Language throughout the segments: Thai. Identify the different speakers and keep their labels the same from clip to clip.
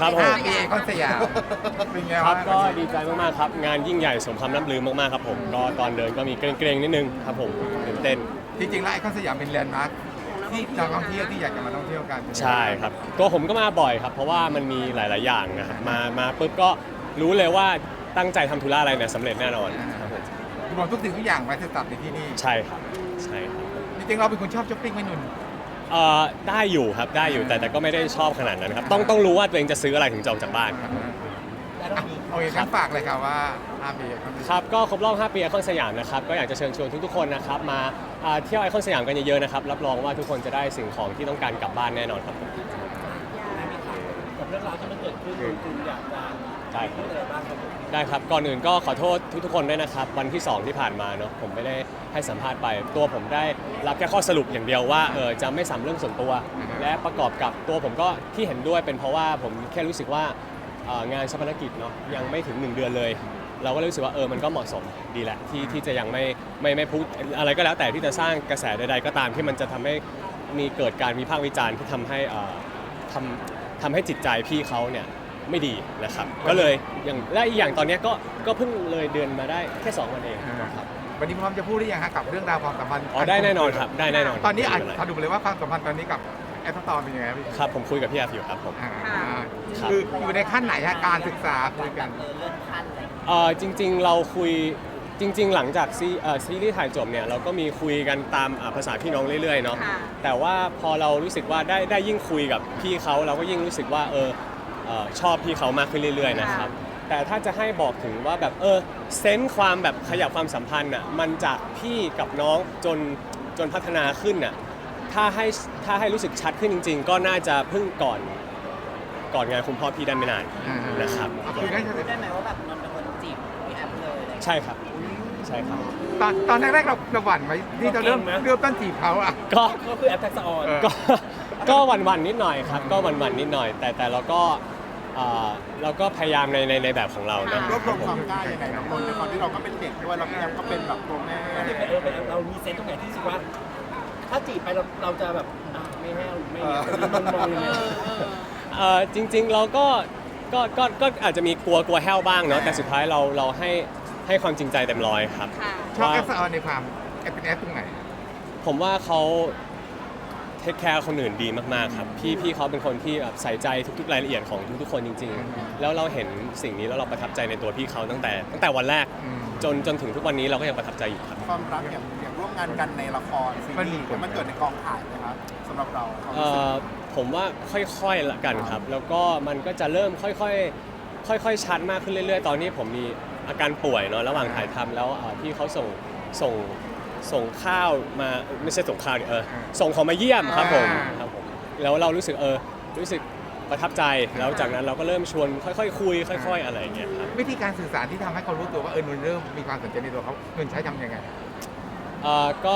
Speaker 1: ครับผม
Speaker 2: ปีไอคอนสยามเป็นไง
Speaker 1: ครั
Speaker 2: วะ
Speaker 1: บก็ดีใจมากๆครับงานยิ่งใหญ่สมคำล่ำลือมากๆครับผมก็ตอนเดินก็มีเกรงๆนิดนึงครับผมตื่นเต้น
Speaker 2: จริงๆแล้วไอคอนสยามเป็นแลนด์มาร์คที่นักท่องเที่ยวที่อยากจะมาท่องเที่ยวกัน
Speaker 1: ใช่ครับตัวผมก็มาบ่อยครับเพราะว่ามันมีหลายๆอย่างนะครับมาปุ๊บก็รู้เลยว่าตั้งใจทำธุระอะไรเนี่ยสำเร็จแน่นอนครับผม
Speaker 2: รวมทุกสิ่งทุกอย่างไว้จะตัดในที่นี่
Speaker 1: ใช่ครับใช่ครับ
Speaker 2: จริงๆเราเป็นคนชอบช้อปปิ้งไหมนุ่น
Speaker 1: ได้อยู่ครับได้อยู่แต่ก็ไม่ได้ชอบขนาดนั้นครับต้องรู้ว่าตัวเองจะซื้ออะไรถึงจะออกจากบ้านครับ
Speaker 2: โอเคงั้นฝากเลยครับว่า5 ปีไอคอนสยาม
Speaker 1: ครับก็ครบรอบ 5 ปีไอคอนสยามนะครับก็อยากจะเชิญชวนทุกๆคนนะครับมาเที่ยวไอคอนสยามกันเยอะๆนะครับรับรองว่าทุกคนจะได้สิ่งของที่ต้องการกลับบ้านแน่นอนครับผม
Speaker 3: กับเรื่องราวที่มันเกิดขึ้นคุณอยากจะ
Speaker 1: ได้ค
Speaker 3: พู
Speaker 1: รับ
Speaker 3: ดอะไรบ้างครับผม
Speaker 1: ได้ครับก่อนอื่นก็ขอโทษทุกๆคนด้วยนะครับวันที่ 2 ที่ผ่านมาเนาะผมไม่ได้ให้สัมภาษณ์ไปตัวผมได้รับแค่ข้อสรุปอย่างเดียวว่าจะไม่สัมเรื่องส่วนตัว และประกอบกับตัวผมก็ที่เห็นด้วยเป็นเพราะว่าผมแค่รู้สึกว่างานชาปนกิจเนาะยังไม่ถึง 1 เดือนเลย เราก็เลยรู้สึกว่ามันก็เหมาะสมดีแหละที่จะยังไม่พูดอะไรก็แล้วแต่ที่จะสร้างกระแสใดๆก็ตามที่มันจะทำให้มีเกิดการวิพากษ์วิจารณ์ที่ทำให้จิตใจพี่เขาเนี่ยไม่ดีนะครับก็เลยและอีกอย่างตอนเนี้ยก็เพิ่งเลยเดือนมาได้แค่ 2 วันเองครับ
Speaker 2: วันนี้พร้อมจะพูดหรือยังฮะกับเรื่องราวความสัมพันธ์
Speaker 1: ได้แน่นอนครับได้แน่นอน
Speaker 2: ตอนนี้อาจ
Speaker 1: ไม่เป็ไร
Speaker 2: สรุปเลยว่าความสัมพันธ์ตอนนี้กับแอปสตอร์เป็นยังไงครับพี่
Speaker 1: ครับผมคุยกับพี่อาฟิวครับผม
Speaker 2: อ่า
Speaker 1: ครับ
Speaker 2: คืออยู่ในขั้นไหนฮะการศึกษาคุยกัน
Speaker 3: เลื่อนขั้นอะไร
Speaker 1: จริงๆเราคุยจริงๆหลังจากซีรีส์ถ่ายจบเนี่ยเราก็มีคุยกันตามภาษาพี่น้องเรื่อยๆเนาะแต่ว่าพอเรารู้สึกว่าได้ยิ่งคุยกับพี่เขาเราก็ยิ่งรู้สึกว่าชอบพี่เขามากขึ้นเรื่อยๆนะครับแต่ถ้าจะให้บอกถึงว่าแบบเซนส์ความแบบขยับความสัมพันธ์อ่ะมันจากพี่กับน้องจนพัฒนาขึ้นอ่ะถ้าให้รู้สึกชัดขึ้นจริง ๆ ก็น่าจะเพิ่งก่อนงานคุณพ่อพี่ได้ไม่นานนะครับ
Speaker 2: คือได้
Speaker 3: ได้ไหมว่าแบบนนท์เป็นคนจีบพี่แอปเลยอะไรอย่างเงี้ย
Speaker 1: ใช่ครับใช่ครับ
Speaker 2: ตอนแรกๆเราหวั่นไหมที่จะเริ่มต้นจีบเขาอ่ะ
Speaker 1: ก็
Speaker 3: ก็คือแอปทักษะออน
Speaker 1: ก็หวั่นๆนิดหน่อยครับก็หวั่นๆนิดหน่อยแต่เราก็พยายามในแบบของเรานะ
Speaker 4: รวบรวมความกล้ายังไงน้องนนท์ด้วยความที่เราก็เป็นเด็กด้วยเราพี่แอมก็เป็นแบบตัวแม่
Speaker 3: เรามีเซนส์ตรงไหนที่รู้สึกว่า ถ้าจีบไปเราจะแบบไม่แห้วหรือไม่เนี่ยมันมองยังไง
Speaker 1: จริงๆเราก็อาจจะมีกลัวแห้วบ้างเนาะแต่สุดท้ายเราให้ความจริงใจเต็มร้อยครับ
Speaker 2: ชอบ
Speaker 1: ว่า
Speaker 2: แอปสตอร์ในความแอปเป็นแอปตรงไหน
Speaker 1: ผมว่าเขาเทคแคร์คนอื่นดีมากๆครับพี่เขาเป็นคนที่แบบใส่ใจทุกๆรายละเอียดของทุกๆคนจริงๆแล้วเราเห็นสิ่งนี้แล้วเราประทับใจในตัวพี่เขาตั้งแต่วันแรกจนถึงทุกวันนี้เราก็ยังประทับใจอยู่ครับ
Speaker 4: ความรักอย่างร่วมงานกันในละครซีรีส์มันเกิดในกองถ่ายนะครับสำหรับเราความรู้สึก
Speaker 1: ผมว่าค่อยๆละกันครับ แล้วก็มันก็จะเริ่มค่อยๆชัดมากขึ้นเรื่อยๆ ตอนนี้ผมมีอาการป่วยเนาะระหว่างถ่ายทำแล้วพี่เขาส่งข้าวมาไม่ใช่ส่งข้าวดิส่งของมาเยี่ยมครับผมแล้วเรารู้สึกรู้สึกประทับใจแล้วจากนั้นเราก็เริ่มชวนค่อยๆคุยค่อย ๆ อะไรอย่างเงี้ยครับ
Speaker 2: วิธีการสื่อสารที่ทำให้เขารู้ตัวว่านนท์เริ่มมีความสนใจในตัวเขานนท์ใช้ทำยังไง
Speaker 1: ก็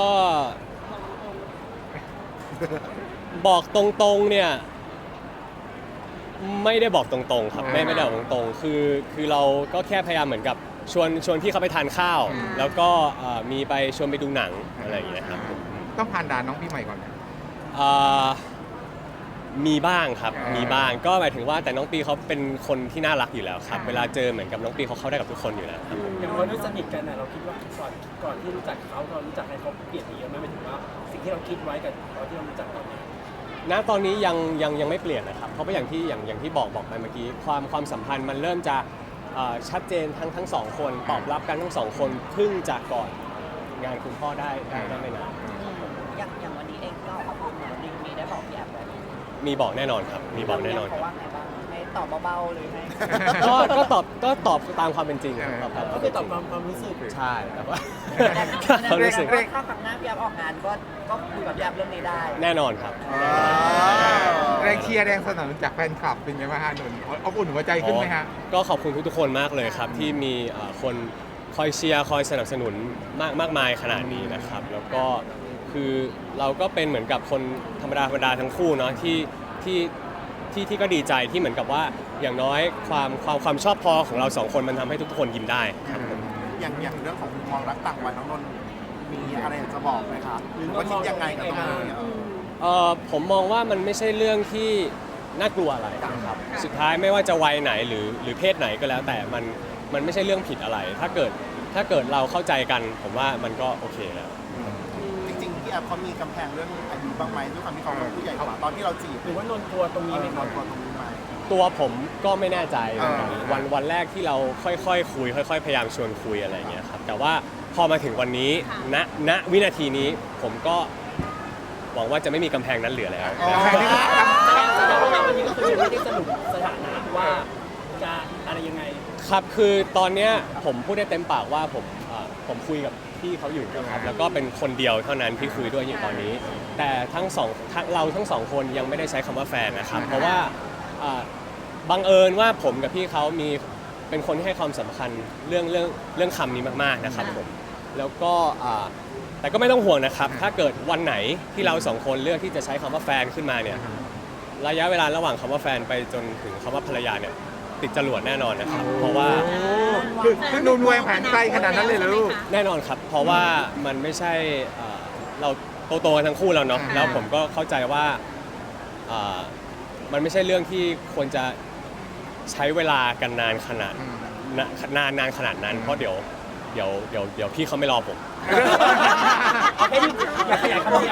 Speaker 1: บอกตรงๆเนี่ยไม่ได้บอกตรงๆครับไม่ได้บอกตรงๆคือเราก็แค่พยายามเหมือนกับชวนพี่เขาไปทานข้าว แล้วก็มีไปชวนไปดูหนังอะไรอย่างเงี้ยครับ
Speaker 2: ต้องผ่านด่านน้องพี่ใหม่ก่อน
Speaker 1: มีบ้างครับมีบ้างก็หมายถึงว่าแต่น้องปีเขาเป็นคนที่น่ารักอยู่แล้วครับเวลาเจอเหมือนกับน้องปีเขาเข้าได้กับทุกคนอยู่แล้วครับ
Speaker 3: อย่างเราด้วยสนิทกันนะเราคิดว่าก่อนที่รู้จักเขาเรารู้จักให้เขาเปลี่ยนไปเยอะไหมหมายถึงว่าสิ่งที่เราคิดไว้กับตอนที่เรารู้จักตอนนี้
Speaker 1: ณตอนนี้ยังไม่เปลี่ยนนะครับเพราะว่าอย่างที่บอกไปเมื่อกี้ความสัมพันธ์มันเริ่มจะชัดเจนทั้งสองคนตอบรับกันทั้งสองคนเพิ่งจากก่อนงานคุณพ่อได้ไม่นาน
Speaker 3: อย่างวันนี้เองก็ขอบคุณนะมีได้บอกพี่แอปไว้
Speaker 1: มีบอกแน่นอนครับมีบอกแน่นอน
Speaker 3: เขา
Speaker 1: ครับ
Speaker 3: ว่าไงบ้างให้ตอบเบาๆหรือให้
Speaker 1: ก็ตอบตามความเป็นจริงครับตอบตามค
Speaker 3: ก็
Speaker 1: วาม
Speaker 3: คื
Speaker 1: เป็
Speaker 3: อน ตอบ
Speaker 1: จริง
Speaker 3: ความรู้สึก
Speaker 1: ใช่แต่ว่า
Speaker 3: แต่
Speaker 1: ความรู้สึก
Speaker 3: ถ้าครั้งหน้าพี่แอปออกงานก็คุยกับพี่แอปเรื่องนี้ได้
Speaker 1: แน่นอนครับ
Speaker 2: แรงเชียร์แรงสนับสนุนจากแฟนคลับเป็นไงบ้างฮะนนท์อบอุ่นหัวใจขึ้นไหมฮะ
Speaker 1: ก็ขอบคุณทุกๆคนมากเลยครับที่มีคนคอยเชียร์คอยสนับสนุนมากมายขนาดนี้นะครับแล้วก็คือเราก็เป็นเหมือนกับคนธรรมดาทั้งคู่เนาะที่ก็ดีใจที่เหมือนกับว่าอย่างน้อยความชอบพอของเราสองคนมันทำให้ทุกคนยิ้มได้ครับ
Speaker 4: อย่างเรื่องของมุมมองรักต่างวัยน้องนนท์มีอะไรอยากจะบอกไหมคะหรือว่าคิดยังไงกับตรงนี้
Speaker 1: ผมมองว่ามันไม่ใช่เรื่องที่น่ากลัวอะไรนะครับสุดท้ายไม่ว่าจะวัยไหนหรือเพศไหนก็แล้วแต่มันไม่ใช่เรื่องผิดอะไร ถ้าเกิดเราเข้าใจกันผมว่ามันก็โอเคแล้ว
Speaker 4: จริงๆพี่แอฟเขามีกำแพงเรื่องอายุบ้างไหมด้วยความที่เขาเป็นผู้ใหญ่กว่าตอนที่เราจีบ
Speaker 3: หรือว่านนท์กลัวตรงนี้ไหมครับ
Speaker 4: ตัวตรงนี้ไหม
Speaker 1: ตัวผมก็ไม่แน่ใจวันแรกที่เราค่อยๆคุยค่อยๆพยายามชวนคุยอะไรอย่างเงี้ยครับแต่ว่าพอมาถึงวันนี้ณวินาทีนี้ผมก็หวังว่าจะไม่มีกำแพงนั้นเหลือแล้ว
Speaker 2: กำแพงนี้
Speaker 3: แสดงว่าวันนี้ก็คือยังไม่ได้สรุปสถานะว่าจะอะไรยังไง
Speaker 1: ครับคือตอนเนี้ยผมพูดได้เต็มปากว่าผมคุยกับพี่เขาอยู่นะครับแล้วก็เป็นคนเดียวเท่านั้นที่คุยด้วยอยู่ตอนนี้ แต่เราทั้งสองคนยังไม่ได้ใช้คำว่าแฟนนะครับเพราะว่าบังเอิญว่าผมกับพี่เขาเป็นคนที่ให้ความสำคัญเรื่องคำนี้มากๆนะครับผมแล้วก็แต่ก็ไม่ต้องห่วงนะครับถ้าเกิดวันไหนที่เราสองคนเลือกที่จะใช้คำว่าแฟนขึ้นมาเนี่ยระยะเวลาระหว่างคำว่าแฟนไปจนถึงคำว่าภรรยาเนี่ยติดจรวดแน่นอนนะครับเพราะว่า
Speaker 2: คือนูนวางแผนไกลขนาดนั้นเลยเหรอลูก
Speaker 1: แน่นอนครับเพราะว่ามันไม่ใช่เราโตๆกันทั้งคู่แล้วเนาะแล้วผมก็เข้าใจว่ามันไม่ใช่เรื่องที่ควรจะใช้เวลากันนานขนาดนั้นเพราะเดี๋ยวพี่เขาไม่รอผม
Speaker 3: อยากขยายคำนี้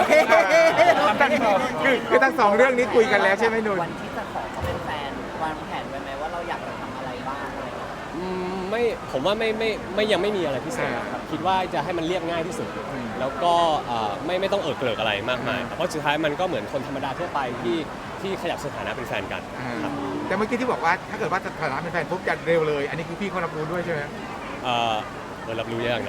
Speaker 2: คือทั้งสองเรื่องนี้คุยกันแล้วใช่ไหมนุ่น
Speaker 5: วันที่จะขอเขาเป็นแฟนวางแผนไว้ไหมว่าเราอยากจะทำอะไรบ้างอะไรอย่างเงี้ย
Speaker 1: ไม่ผมว่าไม่ยังไม่มีอะไรพิเศษครับคิดว่าจะให้มันเรียบง่ายที่สุด แล้วก็ไม่ต้องเกริกอะไรมากมายเพราะสุดท้ายมันก็เหมือนคนธรรมดาทั่วไปที่ขยับสถานะเป็นแฟนกันครับ
Speaker 2: แต่เมื่อกี้ที่บอกว่าถ้าเกิดว่าสถานะเป็นแฟนปุ๊บจะเร็วเลย อันนี้คือพี่เขารับรู้ด้วยใช่ไหม
Speaker 1: รับรู้ยากนะ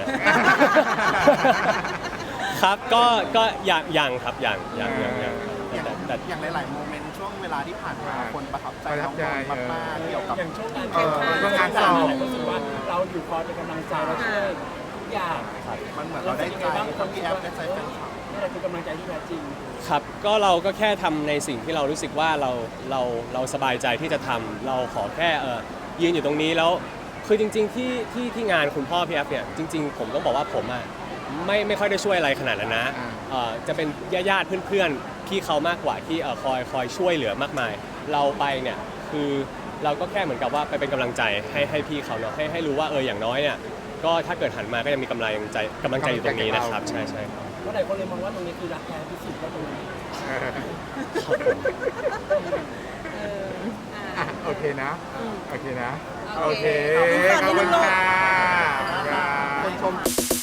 Speaker 1: ครับก็ยังครับยัง
Speaker 4: อย่าง
Speaker 1: แต่
Speaker 4: อย่างหลายๆโมเมนต์ช่วงเวลาที่ผ่านมาคนประทับใจน้องนนท์มากๆเกี่ยวกับ
Speaker 3: อย่างช่วงงาน
Speaker 2: ช่วงงานสอบ
Speaker 3: รู้สึกว่าเราอยู่คอยเป็นกำลังใจเราช่วยทุกอย่าง
Speaker 4: มันเหมือนเราได้ใจคนที่แอฟได้ใจแฟนคลับ
Speaker 3: นี่แหละคือกำลังใจที่แท้จริง
Speaker 1: ครับก็เราก็แค่ทำในสิ่งที่เรารู้สึกว่าเราสบายใจที่จะทำเราขอแค่ยืนอยู่ตรงนี้แล้วคือจริงๆที่งานคุณพ่อพี่แอฟเนี่ยจริงๆผมต้องบอกว่าผมอ่ะไม่ค่อยได้ช่วยอะไรขนาดนั้นนะจะเป็นญาติเพื่อนๆพี่เขามากกว่าที่คอยช่วยเหลือมากมาย เราไปเนี่ยคือเราก็แค่เหมือนกับว่าไปเป็นกำลังใจให้พี่เขาเนาะให้รู้ว่าอย่างน้อยเนี่ยก็ถ้าเกิดหันมาก็ยังมีกำลังใจอยู่ตรงนี้นะครับใช่ครับ
Speaker 3: เพราะหลายคนเลยมองว่าตรงนี้คือรักแท้ที่สุดก็ตรงนี้
Speaker 2: โอเคนะ โอเคนะ
Speaker 5: โอเค
Speaker 2: ขอบคุณค่ะ
Speaker 4: คนชม